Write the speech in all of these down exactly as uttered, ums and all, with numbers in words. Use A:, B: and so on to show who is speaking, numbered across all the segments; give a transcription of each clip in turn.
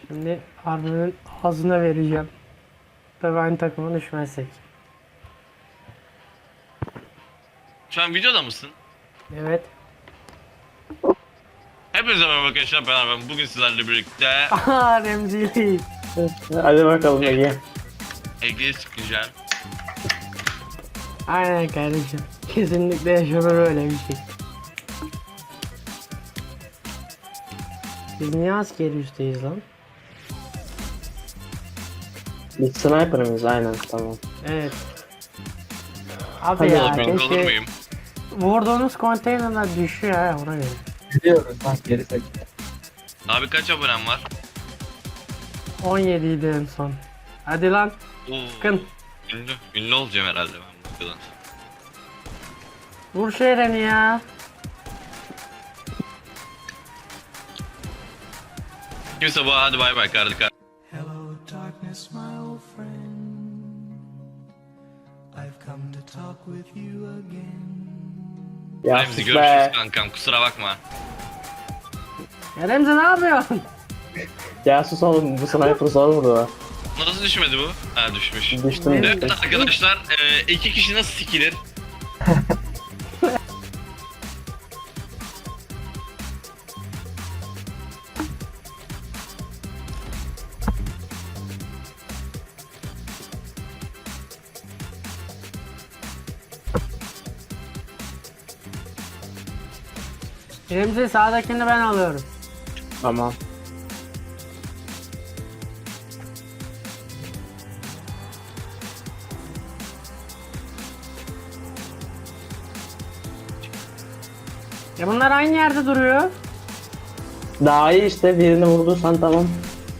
A: Şimdi Arda'nın ağzına vereceğim. Tabii aynı takıma düşmezsek.
B: Şu an videoda mısın?
A: Evet.
B: Hepinize merhaba arkadaşlar, ben Arman. Bugün sizlerle birlikte
A: Aha Remzi.
C: Hadi bakalım Ege.
B: Ege'yi sıkacağım.
A: Aynen kardeşim. Kesinlikle yaşanır öyle bir şey. Biz niye askeri üsteyiz lan?
C: Biz sniper'ımız aynen tamam.
A: Evet. Abi
C: Hadi
A: ya
C: bakalım.
B: Olur
A: keşke
B: muyum?
A: vurduğunuz konteynerler düşüyor ha ona göre.
D: Biliyoruz lan geri tek.
B: Abi kaç abonem var?
A: on yedi idi en son. Hadi lan
B: Oo,
A: sıkın.
B: ünlü, ünlü olacağım herhalde ben bu videodan.
A: Vur şu Eren'i ya.
B: Kimse bu hadi bay bay kardeşim.
E: Hello, darkness, my old friend. I've come to talk with you again.
C: Ya
B: Remzi
C: sus
B: görüşürüz
C: be.
B: kankam, kusura bakma.
A: Ya Remzi ne yapıyorsun?
C: Ya sus oğlum, bu sniper zor vurdu.
B: Nasıl düşmedi bu? Ha düşmüş.
C: Düştüm.
A: Evet.
B: Evet arkadaşlar, e, iki kişi nasıl sikilir?
A: Remzi sağdakini ben alıyorum.
C: Tamam.
A: Ya bunlar aynı yerde duruyor.
C: Daha iyi işte, birini vurduysan tamam.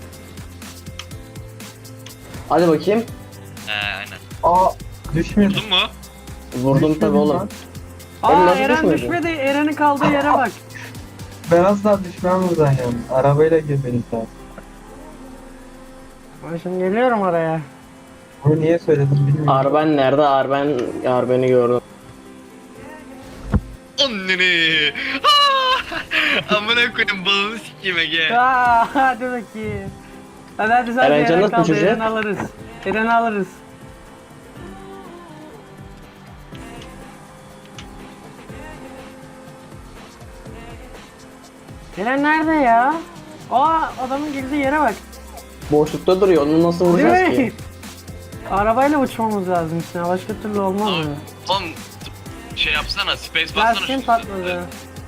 C: Hadi bakayım.
B: He aynen.
D: Aa düşmedi.
B: Vurdun mu?
C: Vurdum tabi oğlum. Benim
A: Aa
C: nasıl
A: Eren
C: düşmedi?
A: düşmedi. Eren'in kaldığı yere bak.
D: Ben asla düşmem buradan yani. Arabayla girmeniz lazım.
A: Ben şimdi geliyorum oraya.
D: Bunu niye söyledim bilmiyorum.
C: Arben nerede? Arben, Arben'i gördüm.
B: Anneni. Aa! Amına koyayım, balını sikeyim Ege.
A: Aa, hadi bakayım. Hadi hadi sen
C: Eren
A: Eren,
C: canı
A: Eren kaldı.
C: düşecek.
A: Eren alırız. Eren alırız. Eren nerede ya? Aa adamın girdiği yere bak.
C: Boşlukta duruyor, onu nasıl vuracağız
A: Değil mi?
C: ki?
A: Arabayla uçmamız lazım işte. Başka türlü olmaz
B: Oğlum,
A: mı?
B: oğlum şey yapsana, space bassana.
A: Lastiğim
B: şu
A: patladı.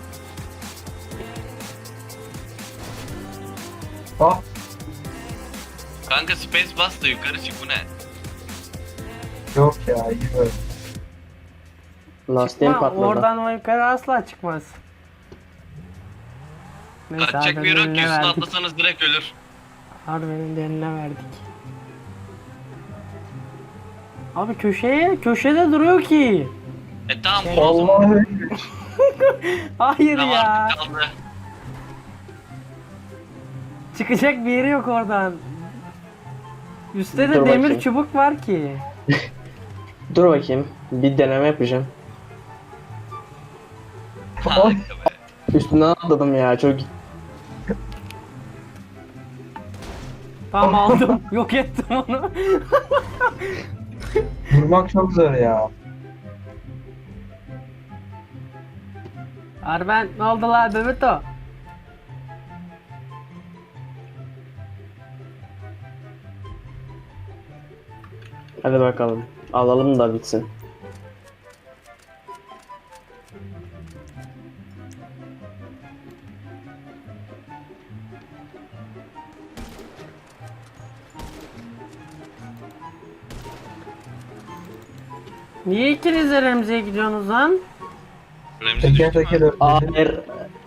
D: Ah
B: Kanka space bas da yukarı çık, bu ne?
D: yok ya iyi böyle.
C: Lastiğim
A: Ama
C: patladı.
A: oradan o yukarı asla çıkmaz. Neyse
B: Kaçacak bir
A: Arda'nın
B: yer yok ki,
A: eline
B: üstüne
A: verdik.
B: atlasanız direkt ölür.
A: Arda'nın da eline verdik. Abi köşeye, köşede duruyor ki.
B: E tamam bu o zaman.
D: Allah'ım.
A: Hayır
B: Tamam
A: ya.
B: artık kaldı.
A: Çıkacak bir yeri yok oradan. Üstte de
C: Dur
A: demir
C: bakayım.
A: çubuk var ki.
C: Dur bakayım, bir deneme yapacağım.
B: Harika be.
C: Üstünden atladım ya, çok...
A: Tamam aldım. Yok ettim onu.
D: Vurmak çok zor ya.
A: Arben ne oldu la Bebeto?
C: Hadi bakalım, alalım da bitsin.
A: Niye ikiniz de Remzi'ye gidiyorsunuz lan?
B: Remzi
D: Teker
B: düştü
D: teker
B: mü?
D: öpledim.
C: Hayır.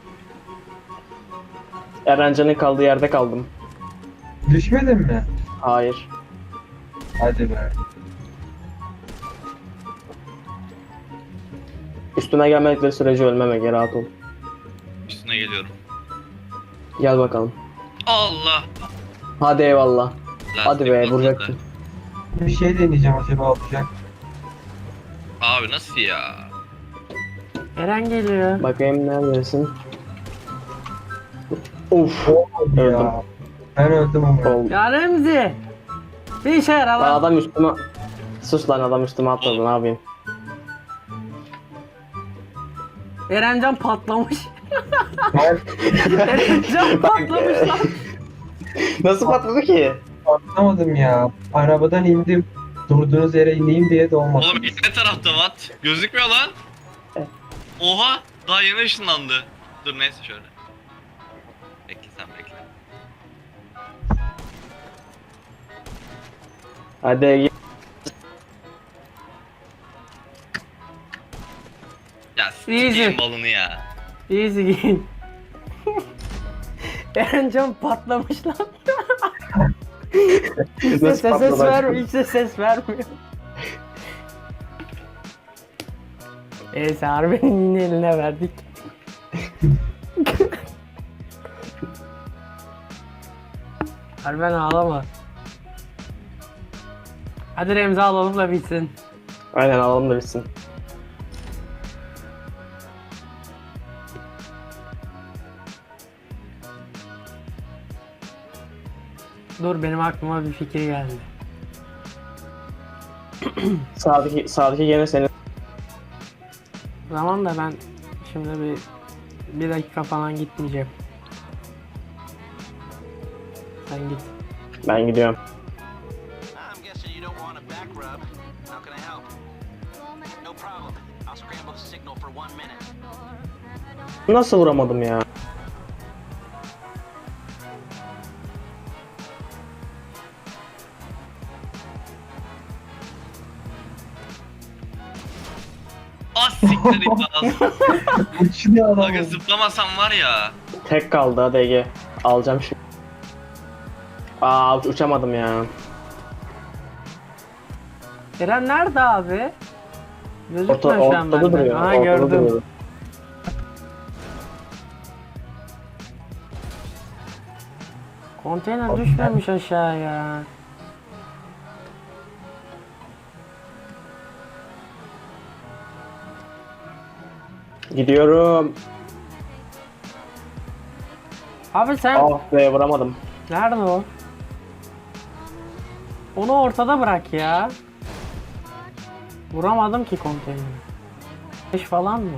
C: Erencan'ın kaldığı yerde kaldım.
D: Düşmedin mi?
C: Hayır.
D: Hadi be.
C: Üstüme gelmedikleri sürece ölmeme, geri rahat ol.
B: Üstüne geliyorum.
C: Gel bakalım.
B: Allah.
C: Hadi eyvallah.
B: Lastik
C: Hadi be,
B: patladı.
C: vuracaktım.
D: Bir şey deneyeceğim acaba olacak.
B: Abi nasıl ya?
A: Eren geliyor.
C: Bakayım neredesin? Of.
D: Olmadı
C: Öldüm.
D: ya. Ben öldüm ama.
C: Oldu.
A: Ya Remzi. Bir işe yarar lan.
C: Adam üstüme... Sus lan, adam üstüme atladı, ne yapayım?
A: Erencan patlamış.
D: Ben
A: Erencan patlamış lan.
C: Nasıl patladı ki?
D: anlamadım ya. Arabadan indim. Durduğunuz yere ineyim diye de olmadı.
B: Oğlum ne tarafta Watt? Gözükmüyor lan. Oha daha yeni ışınlandı. Dur neyse şöyle. Bekle sen bekle.
C: Hadi Ege.
B: Ya
A: Easy.
B: sikeyim balını ya.
A: Easy game. Erencan patlamış lan. Hiç de
C: Nasıl
A: ses
C: patladı?
A: vermiyor. Hiç de ses vermiyor. Neyse Harbi'nin yine eline verdik. Harben ağlama. Hadi Remzi alalım da bitsin.
C: Aynen, alalım da bitsin.
A: Dur benim aklıma bir fikir geldi.
C: Sağdaki, sağdaki gene senin.
A: Zaman da ben şimdi bir bir dakika falan gitmeyeceğim. Sen git.
C: Ben gidiyorum.
F: I'm guessing you don't want a back rub. How can I help? No problem. I'll scramble the signal for one minute.
C: Nasıl vuramadım ya?
B: Az siktir it lan.
D: Uçuyor adam.
B: Aga zıplamasam var ya.
C: Tek kaldı, hadi Ege. Alacağım şimdi. Aa, uç- uçamadım ya.
A: Eren nerede abi?
C: Orta,
A: Gözükmüyor şu an
C: ortada
A: bende.
C: duruyor.
A: Aha
C: ortada
A: gördüm.
C: duruyor.
A: Konteyner düşmemiş aşağıya.
C: Gidiyorum.
A: Abi sen
C: Ah be, vuramadım.
A: nerede o? Onu ortada bırak ya. Vuramadım ki konteyneri. beş falan mı?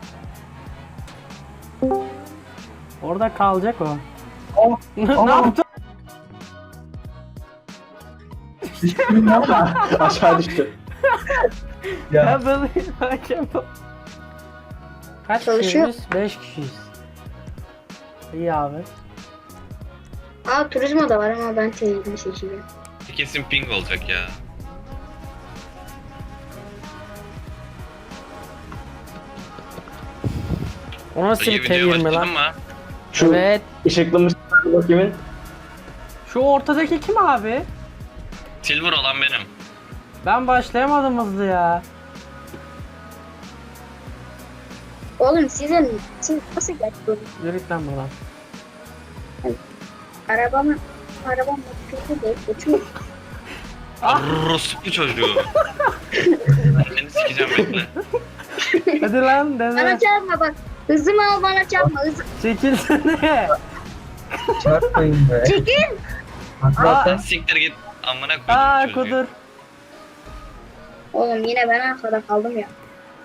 A: Orada kalacak o.
D: Oh,
A: ne
D: oh.
A: yaptın?
D: Düştüm ama.
C: Aşağı düştü.
D: Ya
A: Ya böyle hakem ol. Kaç
G: Çalışıyor.
A: kişiyiz? beş kişiyiz. İyi abi.
G: Aa turizmo da var ama ben televizyon seçeceğim.
B: Kesin ping olacak ya.
A: O nasıl
B: İyi
A: bir
B: video
A: T yirmi lan?
B: başladın mı?
C: Şu
A: Evet.
C: ışıklı mışıklı kimin?
A: Şu ortadaki kim abi?
B: Silver olan benim.
A: Ben başlayamadım hızlı ya.
G: Oğlum sizin siz nasıl geçiyorsunuz?
A: Yürü lan buradan.
G: Arabamı arabam kötü değil. Geçiyor.
A: Ah!
B: Rospu çocuğu. Ben seni sikeceğim bekle.
A: Hadi lan
G: Bana
A: dene.
G: çarpma bak. Hızımı al bana çarpma. Hızı.
A: Çekilsene.
D: çarpmayın be.
G: Çekil.
D: Zaten
B: Siktir git. Amına
A: Aa
B: koydum çocuğu.
A: kudur.
G: Oğlum yine ben arkada kaldım ya.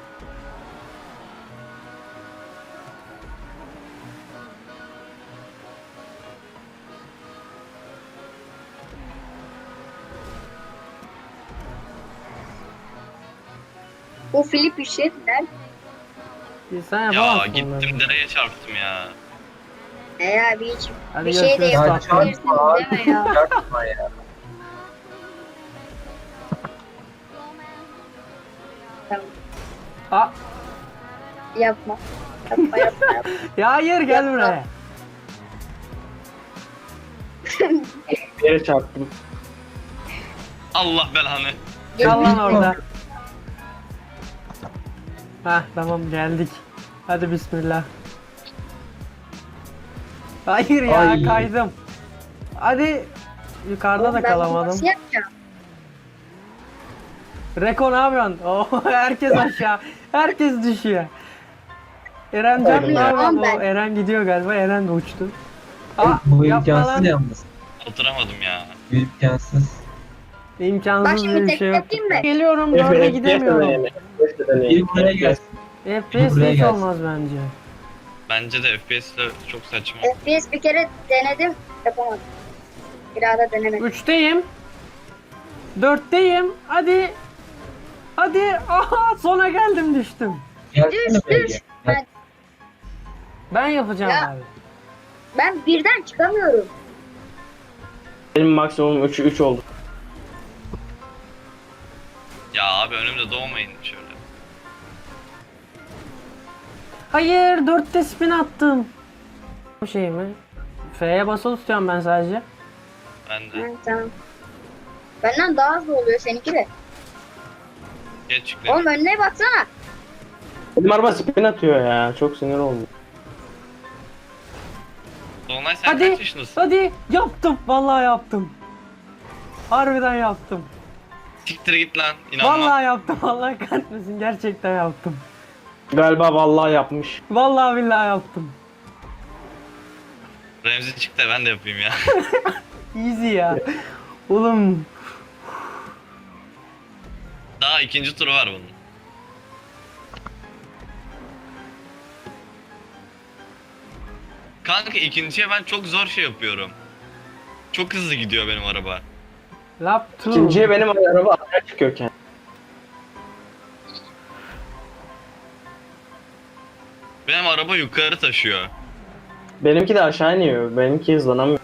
G: Bu Filip Üşetler.
A: Sen
B: Ya
A: yapamazsın
B: gittim
A: onları.
B: dereye çarptım ya.
G: Eğer bir hiç
A: Hadi
G: bir şey de
A: görüşürüz.
D: ya
G: yapabilirsiniz
D: çarpma abi.
G: deme ya.
D: Çarpma ya.
G: Tamam.
A: Aa,
G: Yapma. Yapma yapma yapma.
A: ya hayır gel buraya.
C: Bir yere çarptım.
B: Allah belanı.
A: Kal lan orada. Hah tamam geldik. Hadi bismillah. Hayır ya
D: Ay.
A: kaydım. Hadi yukarıda da
G: Oğlum, ben bunu
A: kalamadım.
G: Nasıl yapacağım?
A: Reko ne yapıyorsun? Oh, herkes aşağı. Herkes düşüyor. Eren can ne
C: Aynen.
A: yapıyor?
G: Ben-
A: O, Eren gidiyor galiba. Eren de uçtu. Aa,
D: Bu
A: yapma
D: imkansız
A: lan.
D: yalnız.
B: Oturamadım ya.
D: İmkansız.
G: Bak
A: İmkansız
G: şimdi
A: diye bir
G: tek
A: şey yok.
G: yapayım mı?
A: Geliyorum dörde gidemiyorum.
D: Bir buraya gelsin.
A: F P
D: Bir
A: S
D: buraya
A: hiç
D: gelsin.
A: olmaz bence.
B: Bence de F P S'de çok saçma.
G: F P S bir kere denedim. Yapamadım. Bir daha da denemedim.
A: Üçteyim. Dörtteyim. Hadi. Hadi. Aha sona geldim düştüm.
D: Gelsene
G: Düş,
D: B
G: düş.
D: G.
G: Ben,
A: Ben yapacağım
G: Ya.
A: abi.
G: ben birden çıkamıyorum.
C: Benim maksimum üç üç oldu.
B: Ya abi önümde doğmayın şöyle.
A: Hayır dörtte spin attım. Bu şey mi? F'ye basılı tutuyorum ben sadece.
B: Ben de.
G: Hı, tamam. Benden daha hızlı oluyor seninki de.
B: Geç çıktım.
G: Oğlum önüne baksana.
C: Benim araba spin atıyor ya. Çok sinir oldum.
B: Dolunay sen
A: Hadi.
B: kaç yaşındasın?
A: Hadi yaptım. Vallahi yaptım. Harbiden yaptım.
B: Siktir git lan. İnanma.
A: Vallahi yaptım. Allah kahretmesin. Gerçekten yaptım.
C: Galiba vallahi yapmış.
A: Vallahi billahi yaptım.
B: Remzi çıktı ben de yapayım ya.
A: Easy ya. Oğlum.
B: Daha ikinci turu var bunun. Kanka ikinciye ben çok zor şey yapıyorum. Çok hızlı gidiyor benim araba.
A: Lap two.
C: İkinciye benim araba aşağı çıkıyorken.
B: Benim araba yukarı taşıyor.
C: Benimki de aşağı iniyor. Benimki hızlanamıyor.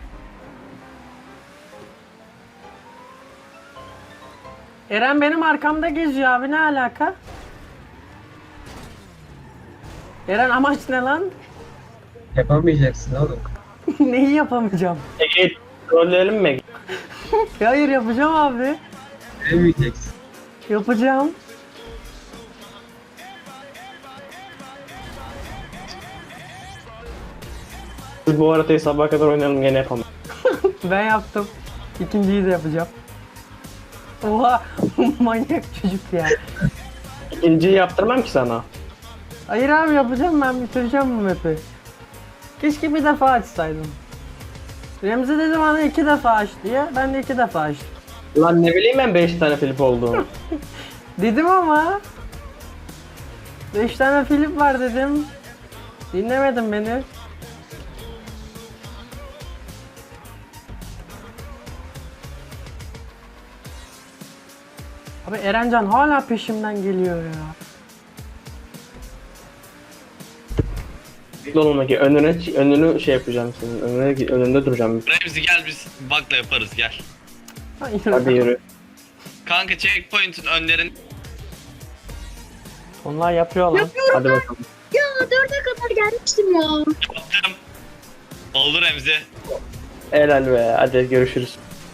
A: Eren benim arkamda geziyor abi, ne alaka? Eren amaç ne lan?
D: Yapamayacaksın oğlum.
A: Neyi yapamayacağım?
C: Ege'yi trolleyelim mi Ege?
A: Hayır yapacağım abi.
D: Yapamayacaksın.
A: Yapacağım.
C: Biz bu haritayı sabaha kadar oynayalım gene yapalım.
A: Ben yaptım. İkinciyi de yapacağım. Oha manyak çocuk ya.
C: İkinciyi yaptırmam ki sana.
A: Hayır abi yapacağım, ben bitireceğim bu map'i. Keşke bir defa açsaydım. Remzi dedi bana iki defa aç diye, ben de iki defa açtım.
C: Lan ne bileyim ben beş tane flip olduğunu.
A: Dedim ama. Beş tane Filip var dedim. Dinlemedin beni. Abi Erencan hala peşimden geliyor ya.
C: Bekle oğlum Ege, önüne, önünü şey yapacağım senin. Önüne, önünde duracağım.
B: Remzi gel biz bakla yaparız gel.
A: Hayır.
C: Hadi yürü.
B: Kanka checkpoint'in önlerin
A: Onlar yapıyor lan.
G: Yapıyorum
C: Hadi
G: ben.
C: bakalım.
G: Ya dörde kadar gelmiştim ya.
B: yaptım. Oldu Remzi.
C: Helal be. Hadi görüşürüz.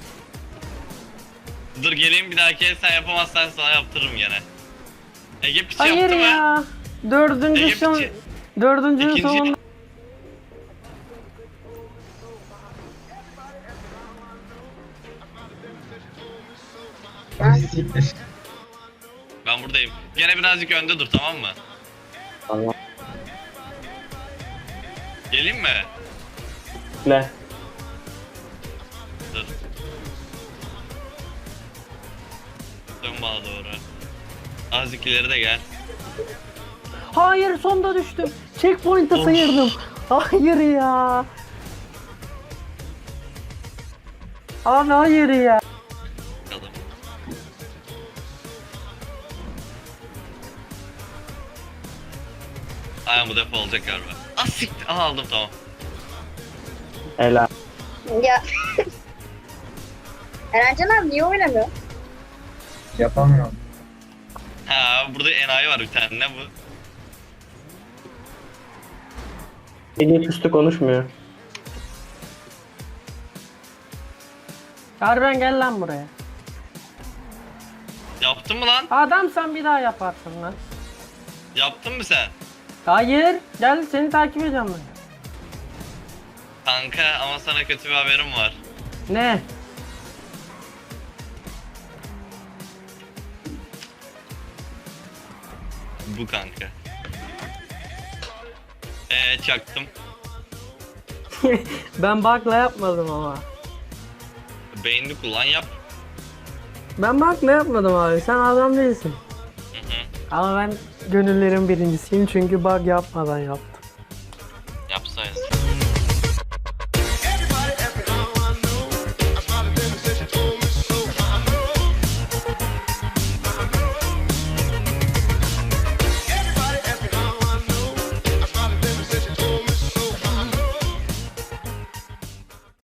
B: Dur geleyim bir dahaki sen yapamazsan sana yaptırırım gene. Ege piç
A: Hayır
B: yaptı mı?
A: ya. Dördüncü
B: Ege
A: son...
B: piçi.
A: Dördüncünün
B: İkinci-
A: sonunda...
D: Ay siktir.
B: Ben buradayım. Gene birazcık önde dur tamam mı?
C: Tamam.
B: Geleyim mi?
C: Ne?
B: Dur. Dön bana doğru. Azıcık ileri de gel.
A: Hayır, sonda düştüm. Checkpoint'ı
B: Of.
A: sıyırdım. Hayır ya. Abi hayır ya.
B: Bakalım. Aynen bu defa olacak galiba. Ah siktir. Aha aldım tamam.
C: Helal.
G: Ya. Erencan abi niye oynamıyor?
D: Yapamıyorum.
B: Ha burada enayi var bir tane ne bu?
C: Ege üstü konuşmuyor.
A: Harbiden gel lan buraya.
B: Yaptın mı lan?
A: Adam sen bir daha yaparsın lan.
B: Yaptın mı sen?
A: Hayır. Gel seni takip edeceğim ben.
B: Kanka ama sana kötü bir haberim var.
A: Ne?
B: Bu kanka. Eee çaktım.
A: Ben bug'la yapmadım ama.
B: Beynini kullan yap.
A: Ben bak ne yapmadım abi. Sen adam değilsin.
B: Hı hı.
A: Ama ben gönüllerin birincisiyim çünkü bug yapmadan yaptım.